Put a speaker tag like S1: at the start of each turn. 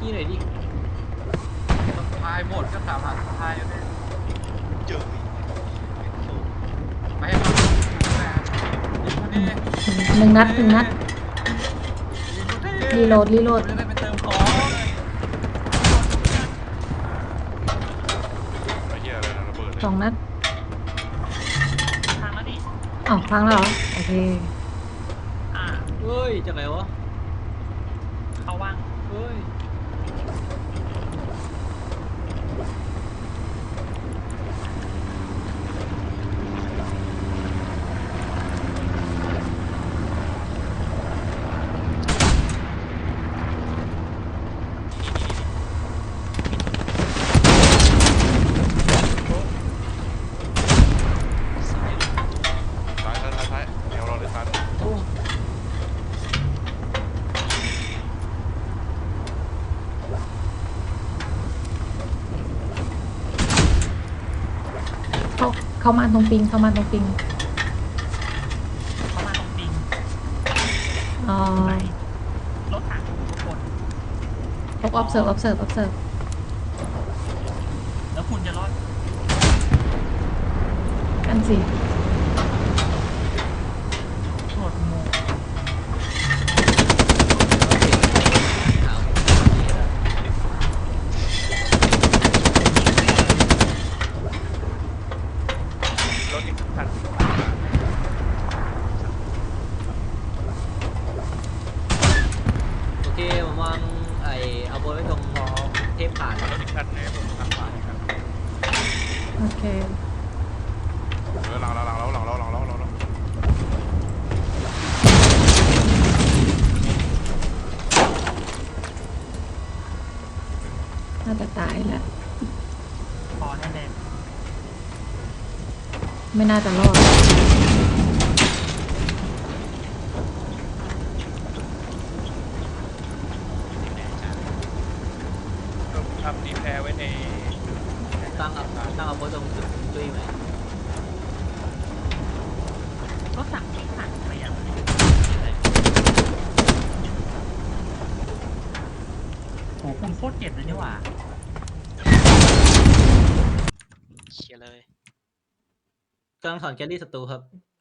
S1: กี้หน่อยดิพายหมดก็ถามหาพายเลย
S2: เจอ
S1: ไปให้มันยิงคนนี้
S3: หนึ่งนัดรีโหลด
S1: จะได้ไปเติมของ
S2: ไอ้เหี้ยอะไรนะระเบิดเลย
S3: 2 นัด
S4: ทางแล้วนี่
S3: อ้าวพังแล้วเหรอโอเค
S1: เฮ้ยจากไหนวะ
S4: เขาว่าง
S1: เฮ้ย
S2: ซ้ายแนวเราเลยซ้าย
S1: โอ้
S3: เข้ามาตรงปิง
S4: เขามาตรงปิง
S3: เอ่อ
S4: ไหนรถถังกด
S3: observe
S4: แล้วคุณจะรอด
S3: กันสิ
S4: ตรวจโม
S2: รถอีกคัน
S1: โอเคผมวางเอาโบนไว้ตรงเทปผ่าน
S2: รถอีกคันเนี่ยผมทางขวาอีกคัน
S3: โอเค
S2: หลังเรา
S3: น่าจะตายแล้ว
S4: พอแน่
S3: ไม่น่าจะรอด
S2: ทำดีแพรไว้ใน
S1: ตั้งเอาโบนตรงจุดตัวเองไหม
S4: ๆรถถังวิ่งผ่านไปอย่างโหคุณโคตรเจ็บเลยนี่หว่า
S1: กำลังถอนแกลลี่ศัตรูครับ